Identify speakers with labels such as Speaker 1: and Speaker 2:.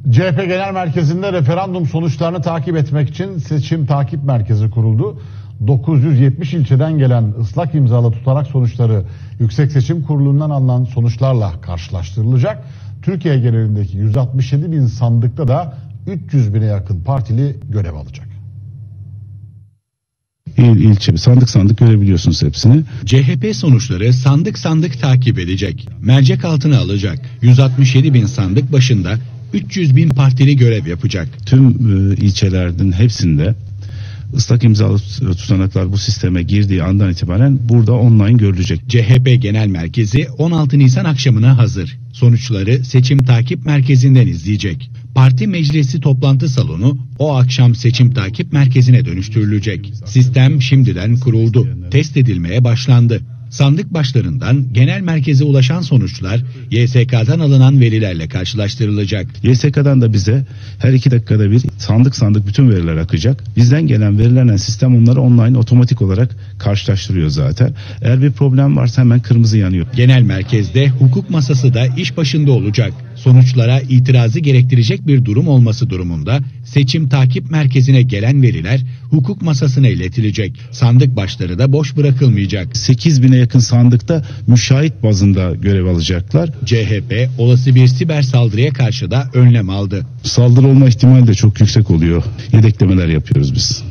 Speaker 1: CHP Genel Merkezi'nde referandum sonuçlarını takip etmek için seçim takip merkezi kuruldu. 970 ilçeden gelen ıslak imzalı tutanak sonuçları Yüksek Seçim Kurulu'ndan alınan sonuçlarla karşılaştırılacak. Türkiye genelindeki 167 bin sandıkta da 300 bine yakın partili görev alacak.
Speaker 2: İl ilçe sandık sandık görebiliyorsunuz hepsini.
Speaker 3: CHP sonuçları sandık sandık takip edecek. Mercek altına alacak. 167 bin sandık başında 300 bin partili görev yapacak.
Speaker 2: Tüm ilçelerden hepsinde ıslak imzalı tutanaklar bu sisteme girdiği andan itibaren burada online görülecek.
Speaker 3: CHP Genel Merkezi 16 Nisan akşamına hazır. Sonuçları seçim takip merkezinden izleyecek. Parti meclisi toplantı salonu o akşam seçim takip merkezine dönüştürülecek. Sistem şimdiden kuruldu. Test edilmeye başlandı. Sandık başlarından genel merkeze ulaşan sonuçlar YSK'dan alınan verilerle karşılaştırılacak.
Speaker 2: YSK'dan da bize her 2 dakikada bir sandık sandık bütün veriler akacak. Bizden gelen verilerle sistem onları online otomatik olarak karşılaştırıyor zaten. Eğer bir problem varsa hemen kırmızı yanıyor.
Speaker 3: Genel merkezde hukuk masası da iş başında olacak. Sonuçlara itirazı gerektirecek bir durum olması durumunda seçim takip merkezine gelen veriler hukuk masasına iletilecek. Sandık başları da boş bırakılmayacak.
Speaker 2: 8 bine yakın sandıkta müşahit bazında görev alacaklar.
Speaker 3: CHP olası bir siber saldırıya karşı da önlem aldı.
Speaker 2: Saldırı olma ihtimali de çok yüksek oluyor. Yedeklemeler yapıyoruz biz.